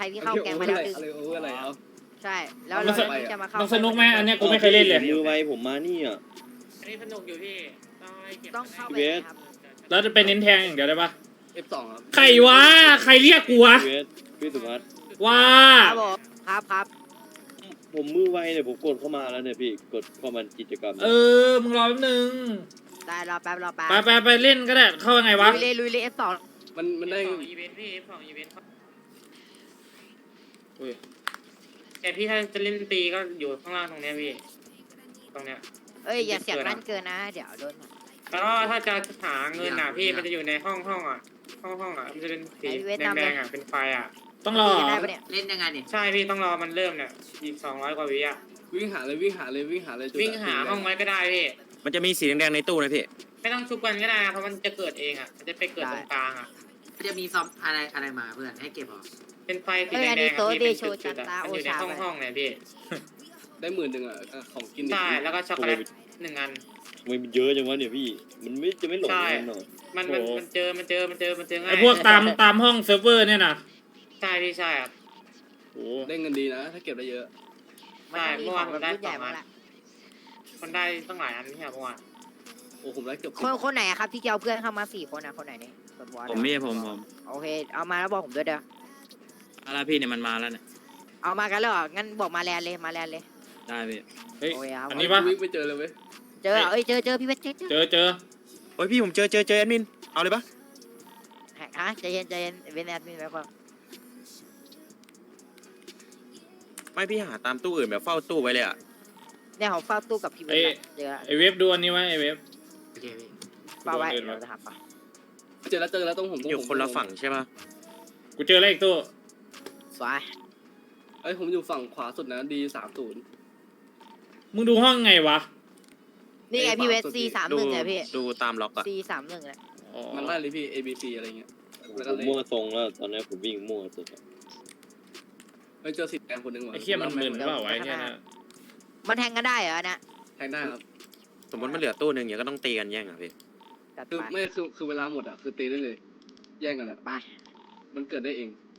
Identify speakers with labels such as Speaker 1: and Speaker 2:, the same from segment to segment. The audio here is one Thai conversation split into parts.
Speaker 1: รที่เข้าแกงมาแล้วดึง
Speaker 2: อะไรโอเวอร์อะไรเอา
Speaker 1: ใช่แล้วเราจะมาเข้า
Speaker 3: มันสนุกไหมอันเนี้ยกูไม่เคยเล่นเลย
Speaker 4: มือไวผมมานี่อ่ะ
Speaker 5: อันนี้สนุกอยู่พี่ต้องให้เก็บ
Speaker 1: ต้องเข้าไปครับ
Speaker 3: แล้วจะไปเน้นแทงอย่างเดียวได้ปะ
Speaker 2: F2 ครับ
Speaker 3: ใครวะใครเรียกกูวะ
Speaker 4: เวสพี่สุภัส
Speaker 3: ว่า
Speaker 1: ครับผมครับ
Speaker 4: ผมมือไวเนี่ยผมกดเข้ามาแล้วเนี่ยพี่กดเข้ามากิจกรรม
Speaker 3: มึงรอแป๊บนึง
Speaker 1: ได้รอแป๊บ
Speaker 3: ไปเล่นก็ได้เข้ายังไงวะ
Speaker 1: ลุยเลย F2
Speaker 2: มันได้
Speaker 5: ของอีเวนต์พี่ของอีเวนต์แต่พี่ถ้าจะเล่นตีก็อยู่ข้างล่างตรงเนี้ยพี่ตรงเนี้ย
Speaker 1: เอ้ยอย่าเสียงนั่นเกินนะเดี๋ยวโดน
Speaker 5: แล้วก็ถ้าจะหาเงินอ่ะพี่มันจะอยู่ในห้องอ่ะห้องอ่ะมันจะเป็นสีแดงๆอ่ะเป็นไฟอ่ะ
Speaker 3: ต้องรอ
Speaker 1: ได้ปะเนี่ย
Speaker 6: เล่นยังไงเนี่ย
Speaker 5: ใช่พี่ต้องรอมันเริ่มเนี่ยอีก200 กว่าวิอ่ะ
Speaker 2: วิ่งหาเลย
Speaker 5: วิ่งหาห้องไว้ก็ได้พี่
Speaker 7: มันจะมีสีแดงๆในตู้นะพี่
Speaker 5: ไม่ต้องชุบกันก็ได้เพราะมันจะเกิดเองอ่ะมันจะไปเกิดตรงกลางอ่ะ
Speaker 6: จะมีซอมอะไรมาเพื่อนให้เก็บหรอ
Speaker 5: เป็นไฟสีแดงๆพี่เป็นจุดๆอ่ะมันอยู่ในห้องเนี่ยพี่
Speaker 2: ได้10,000อ่ะของกิน
Speaker 5: ใช่แล้วก็ช็อกโกแลต1 อัน
Speaker 4: ทำไมมันเยอะจังวะเนี่ยพี่มันไม่จะไม่หลง
Speaker 5: ใช่
Speaker 4: กันหรอ
Speaker 5: มันเจอง่าย
Speaker 3: ไอพวกตามห้องเซิร์ฟเวอร์เนี่ยนะ
Speaker 5: ใช่พี่ใช่ครับ
Speaker 4: โอ้
Speaker 2: ได้เงินดีนะถ้าเก็บได้เยอะ
Speaker 1: มันต้องมีของแบบรุ่นใหญ่มาละ
Speaker 5: คนได้ตั้งหลายอันนี่ครับเมื่อวาน
Speaker 2: โอ้ผมได้เกือบ
Speaker 1: คนไหนครับที่เอาเพื่อนเข้ามา4 คนนะคนไหนเนี่ย
Speaker 7: ผมไม่ใช่ผม
Speaker 1: โอเคเอามาแล้วบอกผมด้วยเด้อ
Speaker 7: อะไรพี่เนี่ยมันมาแล้วเนี่ย
Speaker 1: เอามากันแล้วเหรองั้นบอกมาแลนเลย
Speaker 7: ได้พี่
Speaker 3: เฮ้ย
Speaker 1: โอ้ยเอา
Speaker 3: อันนี้ปะ
Speaker 2: วิ่งไปเจอเลยเว้ย
Speaker 1: เจอเจอพี่เวทเจอ
Speaker 3: เจอ
Speaker 7: โอ้ยพี่ผมเจอแอดมินเอาเลยปะ
Speaker 1: ฮะใจเย็นเวนแอดมินแล้วก็
Speaker 7: ไม่พี่หาตามตู้อื่นแบบเฝ้าตู้ไว้เลยอ่ะ
Speaker 1: เนี่ยผมเฝ้าตู้กับพี่เวทเจอ
Speaker 3: ไอเว็บดูอันนี้ไว้ไอเว็บ
Speaker 6: โอเคพี่
Speaker 1: เฝ้าไว้เราจะหาปะ
Speaker 2: เจอแล้วต้องผม
Speaker 7: อยู่คนละฝั่งใช่ปะ
Speaker 3: กูเจอแล้วอีกตู้
Speaker 1: สวย
Speaker 2: ไอ้ผมอยู่ฝั่งขวาสุดนะดี30
Speaker 3: มึงดูห้องไงวะ
Speaker 1: นี่ไงพี่เวท C31 เนี่ยพี่
Speaker 7: ดูตามล็อกอ่ะ
Speaker 1: C31 แหละ
Speaker 3: อ๋อ
Speaker 2: มันไล่เลยพี่ ABC อะไรเงี้ย
Speaker 4: ผมมั่วทรงแล้วตอนนี้ผมวิ่งมั่วสุด
Speaker 2: ไปเจอ10 แดงคนนึงว่ะ
Speaker 3: ไอเคียมันมึนหรือเปล่าวะไอ้เนี่ยนะ
Speaker 1: มันแทงกันได้เหรอเนี่ย
Speaker 2: แทงได้ครับ
Speaker 7: สมมติมันเหลือตู้หนึ่งอย่างก็ต้องตีกันแย่งอ่ะพี่
Speaker 1: จัด
Speaker 2: คือ
Speaker 1: ไป
Speaker 2: ไม่คือเวลาหมดอ่ะคือตีได้เลย แย่งกันอ่ะ
Speaker 1: ไป
Speaker 2: มันเกิดได้เอง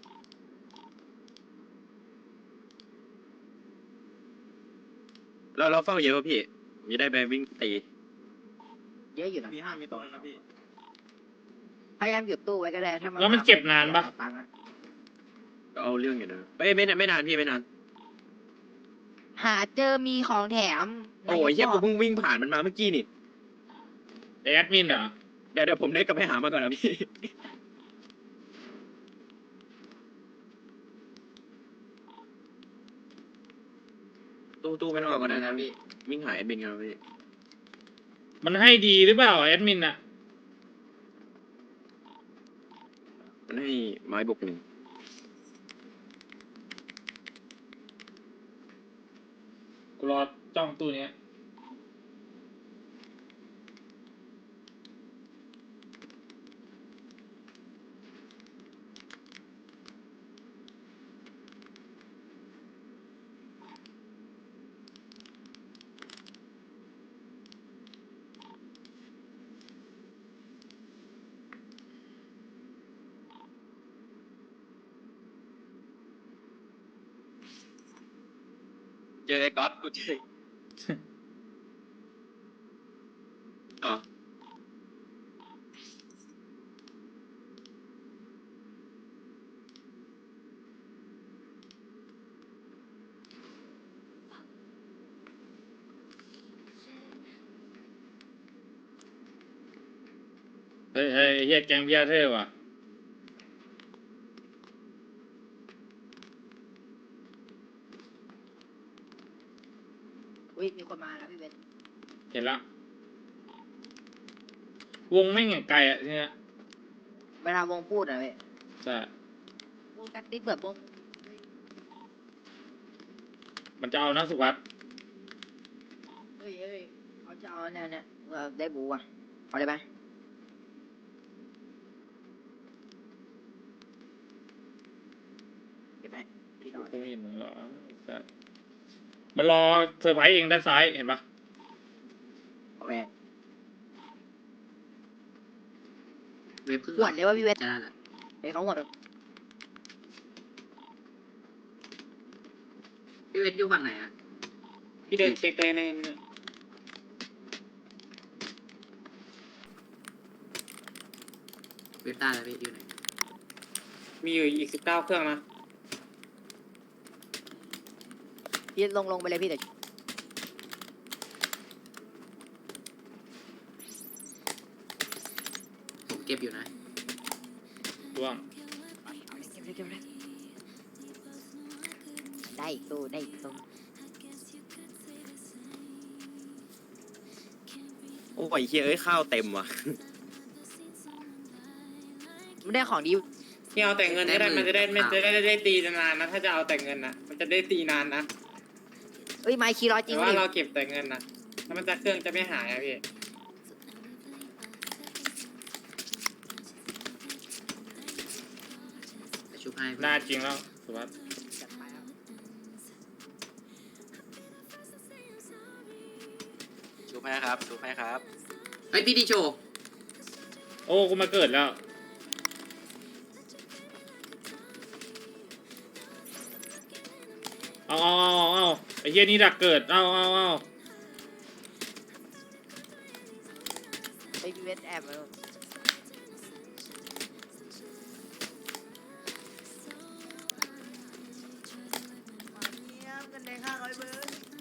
Speaker 7: เราเฝ้าเยอะป่ะพี่ผมจะได้ไปวิ่งตี
Speaker 1: เยอะอยู่นะ
Speaker 7: มี5มีตรงนะพี่
Speaker 1: พยายามหยุดตู้ไว้ก็ได้ถ้ามัน
Speaker 3: แล้วมันเก็บนานปะ
Speaker 7: ก็เอาเรื่องอยู่นะไม่นานพี่ไม่นาน
Speaker 1: หาเจอมีของแถม
Speaker 7: โอ้ยเหี้ยผมเพิ่งวิ่งผ่านมันมาเมื่อกี้นี่
Speaker 3: ไอแอดมินเหรอ
Speaker 7: เดี๋ยวผมได้กลับไปหามาก่อนนะพี่ตู้ไม่ต้องเอาก่อนนะพี่วิ่งหาแอดมินกันนะพี่
Speaker 3: มันให้ดีหรือเปล่าแอดมินอะ
Speaker 7: มันให้ไม้บวก 1
Speaker 3: กูรอจ้องตู้เนี้ย
Speaker 7: เจอไอ้ก๊อตกูเจออ๋อ
Speaker 3: เฮ้ยเฮียแกงเบียร์เท่ว่ะ
Speaker 1: อุ้ยมีคนมาแล้วพี่เวท
Speaker 3: เห็นละวงไม่งอย่างไกลอะเนี่ย
Speaker 1: เวลาวงพูดอะเว้ย
Speaker 3: ใช่
Speaker 1: วงกัดติดเบิดวง
Speaker 3: มันจะเอานะสุภัส
Speaker 1: เฮ้ยเขาจะเอาเนี่ยได้บูอ่ะเอาได้ไหมเก็บไปพี่ต่อ
Speaker 3: กูไม่เห็นเหรอใช่มันรอเซอร์ไพรส์เองด้านซ้ายเห็นปะ
Speaker 1: โอเค
Speaker 6: เว็บเพิ่ง
Speaker 1: หวดเลยว่าพี่เวท
Speaker 6: จะนั่นแหละ
Speaker 1: เฮ้ยเขาหวด
Speaker 6: พี่เวทอยู่ฝั่งไหนอ่ะ
Speaker 5: พี่เดินเช็คเลยใน
Speaker 6: เวทต้าแล้วพี่อยู่ไหน
Speaker 5: มีอยู่อีก19 เครื่องนะ
Speaker 1: พี่ลงไปเลยพี่เดี๋ยว
Speaker 6: ผมเก็บอยู่นะ
Speaker 3: ล่วง
Speaker 1: เก็บได้อีกตู้ได้อีกตู้
Speaker 4: โอ้ยเฮียเอ้ยข้าวเต็มว่ะ
Speaker 1: ไม่ได้ของดี
Speaker 5: พี่เอาแต่เงินก็ได้มันจะได้ตีนานๆนะถ้าจะเอาแต่เงินนะมันจะได้ตีนานนะ
Speaker 1: เอ้ยไม้คีร้อยจริ
Speaker 5: แต่
Speaker 1: ง
Speaker 5: ว่า
Speaker 1: ดิ
Speaker 5: เราเก็บแต่เงินนะแล้วมันจะเครื่องจะไม่หายอะพี่
Speaker 6: จะชุบให้
Speaker 3: หน้าจริงแล้วสุวัสดิ์
Speaker 1: จัดไปครับ
Speaker 7: ชูให้ครับชูให้ครับ
Speaker 6: เฮ้ยพี่ดีโชว์
Speaker 3: โอ้กูมาเกิดแล้วเอาไอ้เหี้ยนี่ดักเกิดเอา
Speaker 1: ไอ้พี่เวทแอบมากันแดง500เบอร์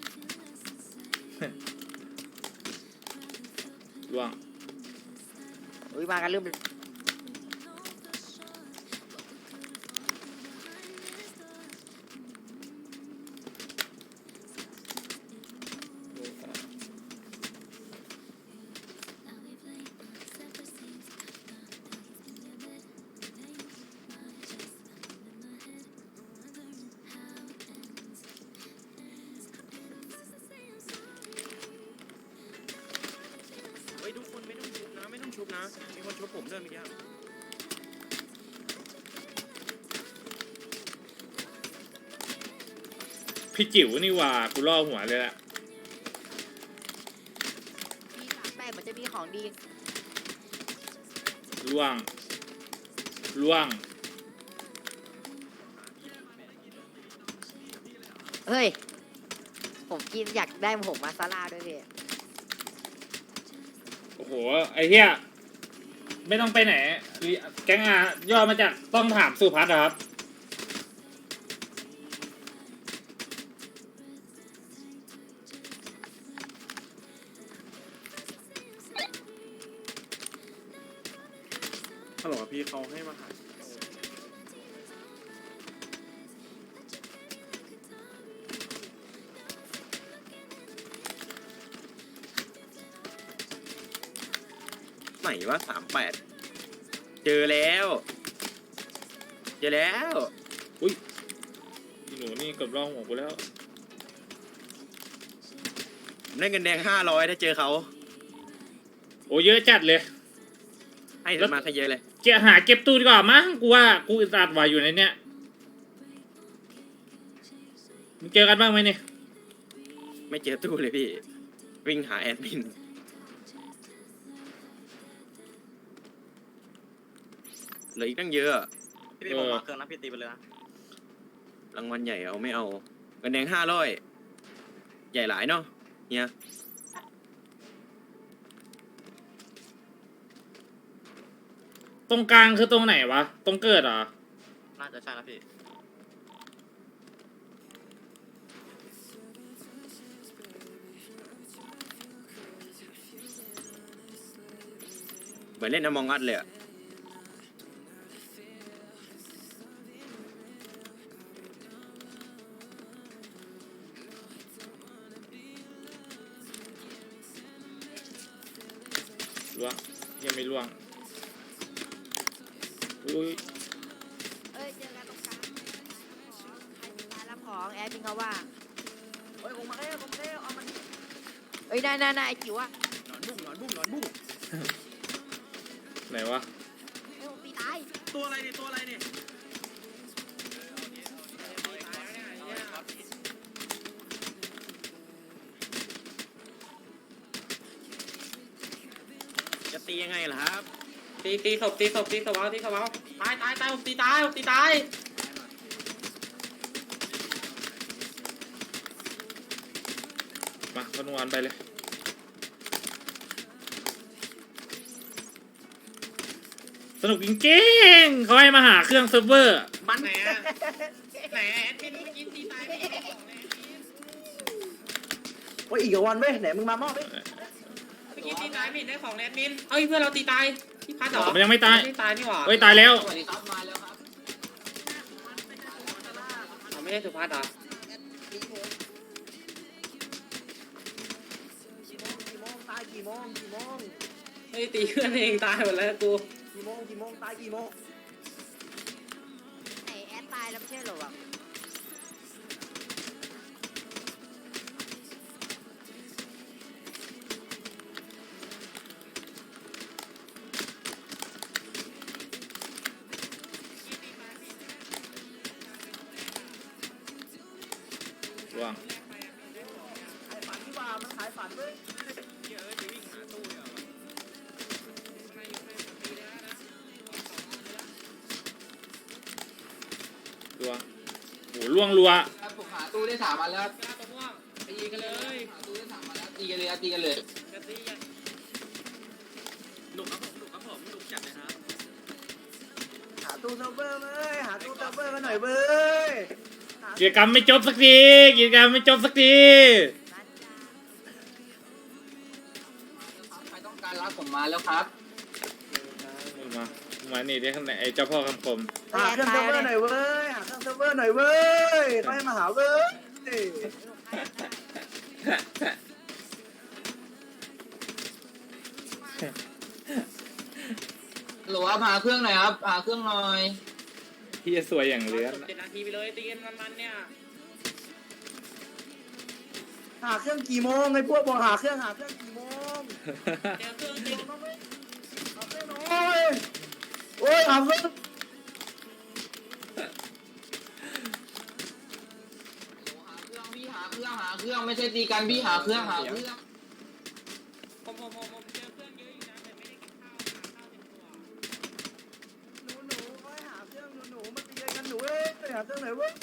Speaker 3: ล่วง
Speaker 1: อุ้ยมากันลืม
Speaker 7: เฮ้ยทุกคนไม่ต้องชุบนะไม่ต้องชุบนะมีคนชุบผมด้วยเมื่อกี้
Speaker 3: พี่จิ๋วนี่หว่ากูล่อหัวเลยละ
Speaker 1: มี38เหมือนจะมีของดี
Speaker 3: ล่วง
Speaker 1: เฮ้ยผมกินอยากได้ผมมาซาลาด้วยพี่
Speaker 3: โอ้โหไอ้เหี้ยไม่ต้องไปไหนแก๊งอาย่อมาจากต้องถามสุพัฒน์ครับ
Speaker 7: ฮัลโหลพี่เขาให้มาหาไหนว่า38เจอแล้ว
Speaker 3: อีหนูนี่เกับล่อหัวกูแล้ว
Speaker 4: ผมได้เงินแดง500ถ้าเจอเขา
Speaker 3: โอ้เยอะจัดเลย
Speaker 4: ให้มาซะเยอะเลย
Speaker 3: หาเก็บตู้ดีกว่ามั้งกูว่ากูอึดอัดว่าอยู่ในเนี้ยมึงเจอกันบ้างไหมเนี่ย
Speaker 4: ไม่เจอตู้เลยพี่วิ่งหาแอดมินเหลืออีกตั้งเยอะ
Speaker 7: พี่ผมมาเครื่องนะพี่ตีไปเลยนะ
Speaker 4: รางวัลใหญ่เอาไม่เอาเงินแดง500ใหญ่หลายเนาะเนี่ย
Speaker 3: ตรงกลางคือตรงไหนวะตรงเกิดเหรอ
Speaker 7: น่าจะใช่นะพี่
Speaker 4: เหมือนเล่นน้ำมองอัดเลยอะ
Speaker 3: ล่วงยังไม่ล่วงอุ้ย
Speaker 1: เอ้ยเจอกันตรงกลางใครตายรับของแอดมินเขาว่าเฮ้ยผมมาเร็วเอามันเอ้ยน่าไอ้จิ๋วอะ
Speaker 7: หนอนบุ้ง
Speaker 3: ไหนวะ
Speaker 1: เอ้ยผมตีตาย
Speaker 7: ตัวอะไรเนี่ย
Speaker 4: จะตียังไงล่ะครับ
Speaker 5: ตีศพเอาตายผมตีตาย
Speaker 3: มาคนวันไปเลยสนุกจริงๆเขาให้มาหาเครื่องเซิร์ฟเวอร์
Speaker 5: มันไหนอะไหนแอดมินเมื่อกี้ตีตายไปของเลย
Speaker 8: โอ้ยอีกวันเว้ยไหนมึงมามอบดิ
Speaker 5: เมื่อกี้ตีตายไม่เห็นได้ของแอดมินเอ้ยเพื่อนเราตีตายพี่พัดเหรอ
Speaker 3: มันยังไม่ตาย
Speaker 5: ไม่ตายนี่หว่า
Speaker 3: เฮ้ยตายแล้ว
Speaker 6: สวัสดีครับมาแล้วครับ
Speaker 5: อ๋อไม่ใช่สุพัฒน์เหรอ
Speaker 8: ตายกี่โมง
Speaker 5: เฮ้ยตีเพื่อนเองตายหมดแล้วกู
Speaker 8: ตายกี่โมง
Speaker 1: ไอแอดตายแล้วไม่ใช่เหรอวะ
Speaker 3: ว่าง
Speaker 8: ขายฝันดีกว่ามันขายฝันเว้ย
Speaker 3: รัวโหล่วงรัว
Speaker 6: ครับผมหาตู้ได้3 วันแล้ว
Speaker 5: กล้าตัวม่วงตีกันเลย
Speaker 6: หาตู้ได้3 วันแล้วตีกันเลยครับตีกันเลย
Speaker 5: จะตีอ่ะ
Speaker 7: หนุกครับผมหนุกครับผมหนุกจัดเลยครับ
Speaker 8: หาตู้เซิร์ฟเวอร์เว้ยหาตู้เซิร์ฟเวอร์กันหน่อยเว้ย
Speaker 3: กิจกรรมไม่จบสักทีกิจกรรมไม่จบสักที
Speaker 6: ใครต้องการรับผมมาแล้วครับ
Speaker 3: มานี่ดิข้างในไอ้เจ้าพ่อคำคม
Speaker 8: หาเครื่องเซิร์ฟเวอร์หน่อยเว้ยหาเครื่องเซิร์ฟเวอร์หน่อยเว้ยเขาให้มาหาเว้ย
Speaker 6: หรือว่าหาเครื่องหน่อยครับหาเครื่องหน่อย
Speaker 3: ที่จะสวยอย่างเหลือ
Speaker 5: 7 นาทีไปเลยตีกันมันๆเนี่ย
Speaker 8: หาเครื่องกี่โมงไอ้พวกบอกหาเครื่องกี่โมง
Speaker 5: เจอเครื่องตี
Speaker 8: โอ้ยโอ้ยหาเครื่อง
Speaker 6: พี่หาเครื่องไม่ใช่ตีกันพี่หาเครื่อง
Speaker 5: ผมเจอเครื่องเยอะอยู่นะแต่ไม่ได้กินข้าวหาข้าวเต็มตัว
Speaker 8: หนูโอ้ยหาเครื่องหนูมาตีกันหนูเว้ยหาเครื่องไหนเว้ย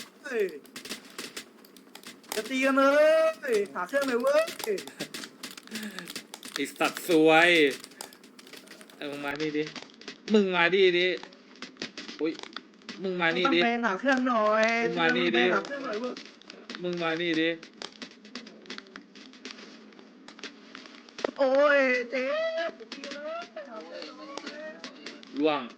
Speaker 8: จะตีกันเลยหาเครื่องไหนเว้ย
Speaker 3: ไอ้สัตว์สวยมึงมานี่ดิมึงมาดิอุ้ยมึงมานี่ดิ
Speaker 8: ต้องไปหาเครื่องหน่อย
Speaker 3: มึงมานี่ดิ
Speaker 8: หาเครื่องหน่อยเว้ย
Speaker 3: มึงมานี่ดิ
Speaker 8: โอ้ยเจ๊ตีกันเลย
Speaker 3: ล่วง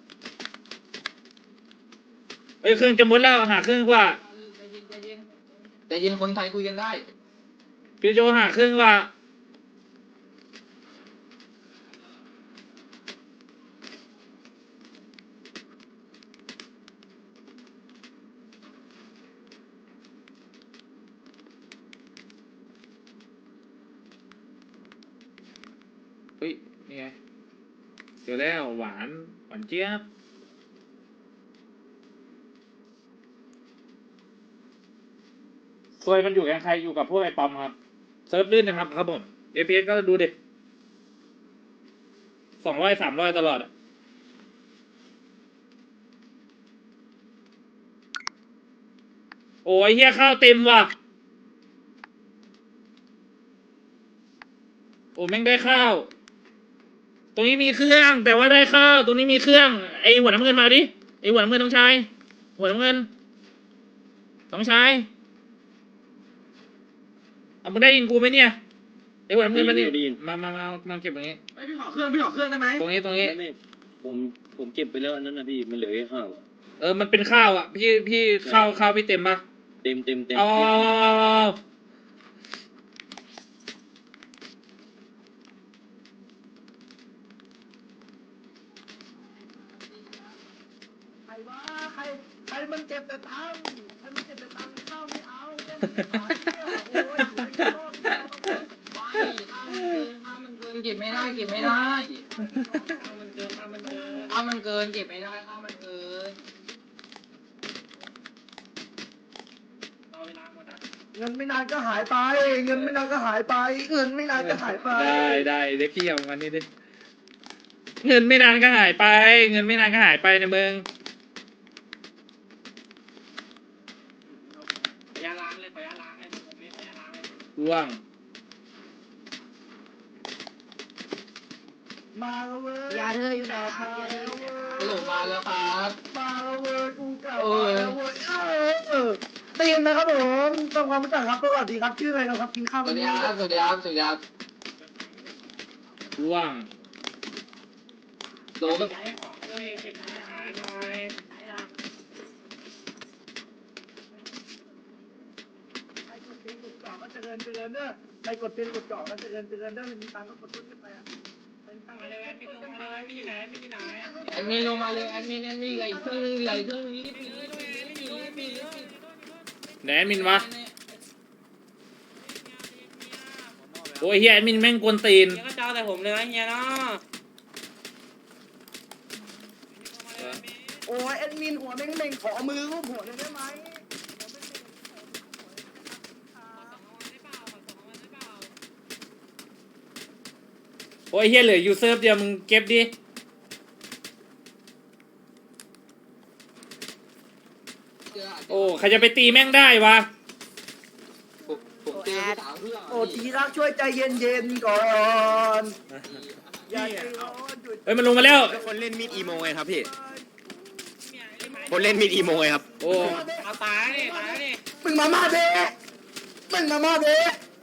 Speaker 3: เอ้ยเครื่องจะหมดแล้วหาเครื่องกว่า
Speaker 6: แต่ยินคนไทยคุยกันได้
Speaker 3: พี่โจหาเครื่องกว่าเฮ้ยนี่ไงเจอแล้วหวานเจี๊ยบซวยมันอยู่กับใครอยู่กับพวกไอ้ปอมครับเซิร์ฟลื่นนะครับครับผม FPS ก็ดูเด็ก200-300ตลอดอะโอ้ยเฮียข้าวเต็มว่ะโอ้แม่งได้ข้าวตรงนี้มีเครื่องแต่ว่าได้ข้าวตรงนี้มีเครื่องไอหัวน้ำเงินมาดิไอหัวน้ำเงินต้องใช้หัวน้ำเงินต้องใช้เอามึงได้ยินกูไหมเนี่ยไอหัวน้ำเงินมาดิมาเก็บตรงนี้
Speaker 8: พี่ขอเครื่องได้ไหม
Speaker 3: ตรงนี้
Speaker 7: ไม่ผมเก็บไปแล้วอันนั้นนะพี่มันเหลือแค่ข้าว
Speaker 3: มันเป็นข้าวอ่ะพี่ข้าวพี่เต็มปะ
Speaker 7: เต็ม
Speaker 3: เอา
Speaker 8: ใครวะใครมันเจ็บแต่ตังค์ใครมันเจ็บแต่ตังค์ข้าวไม่เอาแค่ไม่ขายเนี่ยโอ้ยอยู่ในกระโดดเนี่ย
Speaker 6: ข้าวมันเกินเก็บไม่ได้ข้าวมันเกินเก็บไม่ได้ข้าวมันเกิน
Speaker 8: เงินไม่นานก็หายไปเงินไม่นานก็หายไปเงินไม่นานก็หายไป
Speaker 3: ได้เด็กพี่เอามานี่ดิเงินไม่นานก็หายไปเงินไม่นานก็หายไปในเมือง
Speaker 5: ขอยาล้างเลยขอยาล้างเลยผมไม่ขอยาล้างเลย
Speaker 3: ร่วง
Speaker 8: มาแล้วเว้ย
Speaker 1: ยาเธออยู่ไหนครับยาเธออยู่ไหน
Speaker 6: ฮัลโหลมาแล้วครับ
Speaker 8: มาแล้วเว้ยกูกลับมาแล้วเว้ยได้ยินนะครับผมทำความรู้จักครับสวัสดีครับชื่ออะไรนะครับกินข้าว
Speaker 6: สวัสดีครับสวัสดีครับสวัสดีครับ
Speaker 3: ว่าง
Speaker 6: โดม
Speaker 8: ใครกดเตียงกดเจาะก็เจริญเด้อใครกดเตียงกดเจาะก็เจริญเด้อไม่มีตังค์ก็กดตุ้นขึ้นไปอ่ะเป็นตังค์อะไรแอดมินลงมาไม่อยู่ไหนไม่อยู่ไหน
Speaker 6: แอดมินลงมาเลยแอดมินไหลเครื่องนึงไหลเครื่องนี้
Speaker 3: ไหนแอดมินวะโอ้ยเฮียแอดมินแม่งกวนตีน
Speaker 5: เฮียก็เจ้าแต่ผมเลยนะเฮียเนาะ
Speaker 8: โอ้ยแอดมินหัวเม่งๆขอมือรูปหัวเลยได้ไหม
Speaker 3: โอ้ยเฮียเหลืออยู่เซิร์ฟเดียวมึงเก็บดิโอ้ใครจะไปตีแม่งได้วะ
Speaker 6: ผมเจอที่สามเครื่อง
Speaker 8: โอ้ทีรักช่วยใจเย็นๆก่อนอย่าใจร้อนหยุด
Speaker 3: เฮ้ยมันลงมาแล้ว
Speaker 4: คนเล่นมีดอีโมไงครับพี่คนเล่นมีดอีโมไงครับ
Speaker 3: โอ้
Speaker 5: เอาตายนี่ตายนี่
Speaker 8: มึงมาเด้มึงมาเด้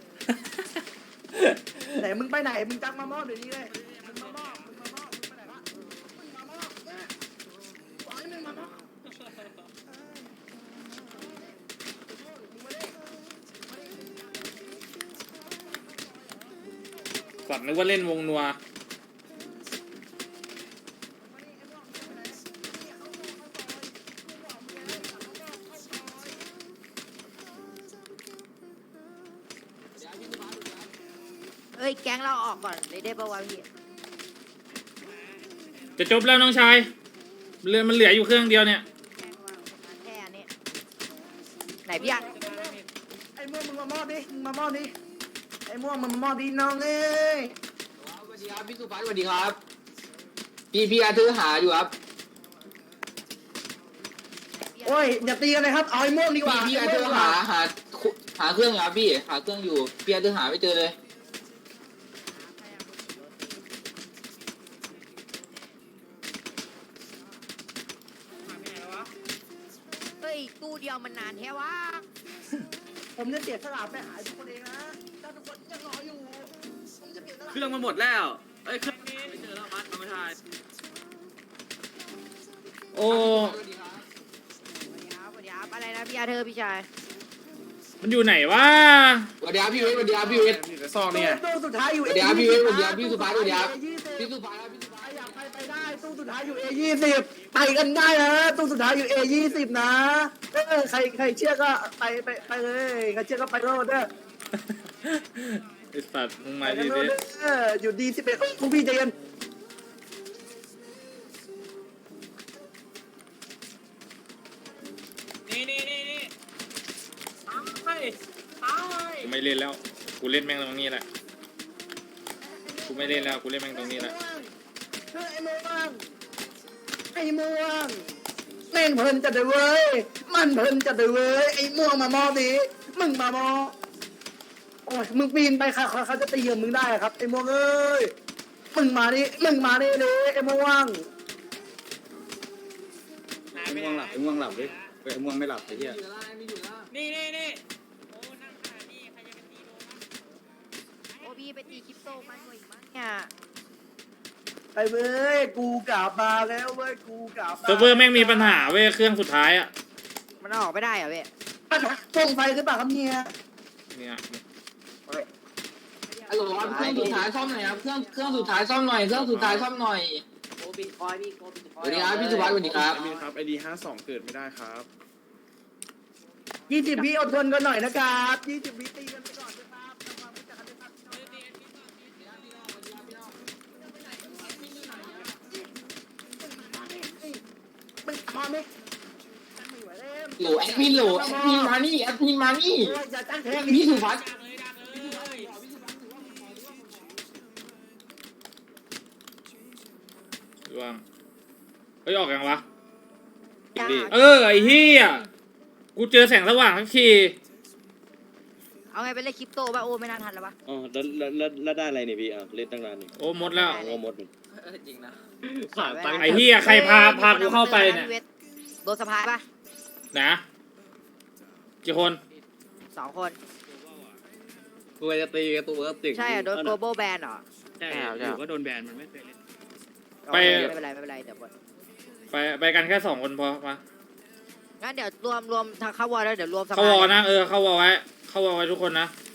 Speaker 8: ไหนมึงไปไหนมึงจักมามอบเดี๋ยวนี้เลยมึงมามอบมึงไปไหนวะมึงมามอบปล่อยมึงมามอบ
Speaker 3: สัตว์นึกว่าเล่นวงนัว
Speaker 1: เอ้ยแก๊งเราออกก่อนเลยได้ปะวะพี่
Speaker 3: จะจบแล้วน้องชายมันเหลืออยู่เครื่องเดียวเนี่ย
Speaker 1: แก๊งเราแค่อันนี้ไหนพี่อ่ะ
Speaker 8: ไอ้ม่วงมึงมามอบดิมึงมามอบดิไอ้ม่วงมึงมามอบดิน้องเอ้ย
Speaker 6: สวัสดีครับพี่สุภัสสวัสดีครับพี่อาทือหาอยู่ครับ
Speaker 8: โอ้ยอย่าตีกันเลยครับเอาไอ้ม่วงดีกว่า
Speaker 6: พี่อาทือหาเครื่องอยู่ครับพี่หาเครื่องอยู่พี่อาทือหาไม่เจอเลย
Speaker 1: เฮ้ยตู้เดียวมันนานแค่วะ
Speaker 8: ผมจะเสียสละไปหาทุกคนเองนะถ้าทุกคนยังรออยู่ผมจะเสียสละ
Speaker 2: เครื่องมันหมดแล้วเอ้ยเครื่องไม่เจอแล้วมัดเอาไม่ทัน
Speaker 3: โอ้
Speaker 1: สวัสดีครับอะไรนะพี่อาเธอพี่ชาย
Speaker 3: มันอยู่ไหนวะ
Speaker 6: สวัสดีครับพี่เวทสวัสดีครับพี่เวท
Speaker 4: ซองนี่ไง
Speaker 8: ตู้สุดท้ายอยู่
Speaker 6: สวัสดีครับพี่เวทสวัสดีครับพี่สุภัสสวัสดีครับพี่สุภัสครับพี่สุภัส
Speaker 8: อยากไปได้ตู้สุดท้ายอยู่ A20ไปกันได้นะตู้สุดท้ายอยู่ A20นะใครเชื่อก็ไปเลยใครเชื่อก็ไปโลดเด้อ
Speaker 3: ไอสัตว์มึง
Speaker 8: ไป
Speaker 3: มา
Speaker 8: กั
Speaker 3: ดิ
Speaker 8: นโล
Speaker 3: ดิ
Speaker 8: ดเด้ออยู่D11พวกพี่ใจเย็น
Speaker 5: นี่ตายตาย
Speaker 3: กูไม่เล่นแล้วกูเล่นแม่งตรงนี้แหละกูไม่เล่นแล้วกูเล่นแม่งตรงนี้แหละ
Speaker 8: ไอ้ม่วงเล่นเพลินจัดเลยเว้ยมันเพลินจัดเลยเว้ยไอ้ม่วงมามอดิมึงมามอโอ้ยมึงปีนไปค่ะเขาจะตีเหยื่อมึงได้ครับไอ้ม่วงเอ้ยมึงมาดิเลยไอ้ม่วง
Speaker 5: หายไปไหน
Speaker 7: ไอ้ม่วงหลับดิไอ้ม่วงไม่หลับไอ้เหี้ย
Speaker 5: นี่โอ้นั่งขนาดนี้ใครจะไปตีโดนวะ
Speaker 1: โอ้พี่ไปตีคริปโตมันกว่าอีกมั้งเนี่ย
Speaker 8: ไอ้เว้ยกูกลับมาแล้วเว้ยกูกลับมา
Speaker 3: เซิร์ฟเวอร์แม่งมีปัญหาเว้ยเครื่องสุดท้ายอ่ะ
Speaker 1: มันออกไม่ได้เหรอเว้ย
Speaker 8: ปัญหาส่งไฟหรือเปล่าครับเนี่ย
Speaker 3: เนี่ย
Speaker 6: ฮัลโหลครับเครื่องสุดท้ายซ่อมหน่อยครับเครื่องสุดท้ายซ่อมหน่อยเครื่องสุดท้ายซ่อมหน่อย
Speaker 5: โอ้บินคอยพี่โกบินค
Speaker 6: ส
Speaker 5: อย
Speaker 6: วัสดีครับพี่สุภัสสวัสดีครับ
Speaker 7: ครับไอดี52เกิดไม่ได้ครับ
Speaker 8: 20 วิอดทนกันหน่อยนะครับ20 วิตีกันไปก่อนนะครับทำความรู้จักกันด้วยครับมึงมาไหมไม่ไหวแล้ว
Speaker 6: โหลแอดมินโหลแอดมินมานี่แอดมินมานี่
Speaker 8: โอ้ยอย่าตั้งแทง
Speaker 6: พี่สุภัส
Speaker 5: ดักเลยดักเลย
Speaker 3: ร่วงเฮ้ยออกยังวะ
Speaker 1: จ้า
Speaker 3: ไอ้เหี้ยกูเจอแสงสว่างทักที
Speaker 1: เอาไงไปเล่นคริปโตป่ะโอ้ไม่น่าทันแล้วปะ
Speaker 4: อ๋อแล้วได้อะไรเนี่ยพี่เล่นตั้งนานนี่
Speaker 3: โอ้หมดแล้ว
Speaker 4: โอ้หมดนี่
Speaker 7: จริงนะ
Speaker 2: ฝากตังค์
Speaker 3: ไอ้เหี้ยใครพากูเข้าไปเนี่ย
Speaker 1: โดนสะพายป่ะ
Speaker 3: นะกี่คน
Speaker 1: 2 คน
Speaker 2: กูจะตีกับตัวก็ติด
Speaker 1: ใช่อ่ะโดน global ban เหรอ
Speaker 7: ใช่อยู่ก็โดนแบนมันไม่เคยเล่น
Speaker 3: ไป
Speaker 1: ไม่เป็นไรเดี๋ยวหมด
Speaker 3: ไปกันแค่2 คนพอมา
Speaker 1: งั้นเดี๋ยวรวมทางเข้าวอลแล้วเดี๋ยวรวมสะ
Speaker 3: เข้า
Speaker 1: พา
Speaker 3: วย อนะเข้าวอไว้ทุกคนนะ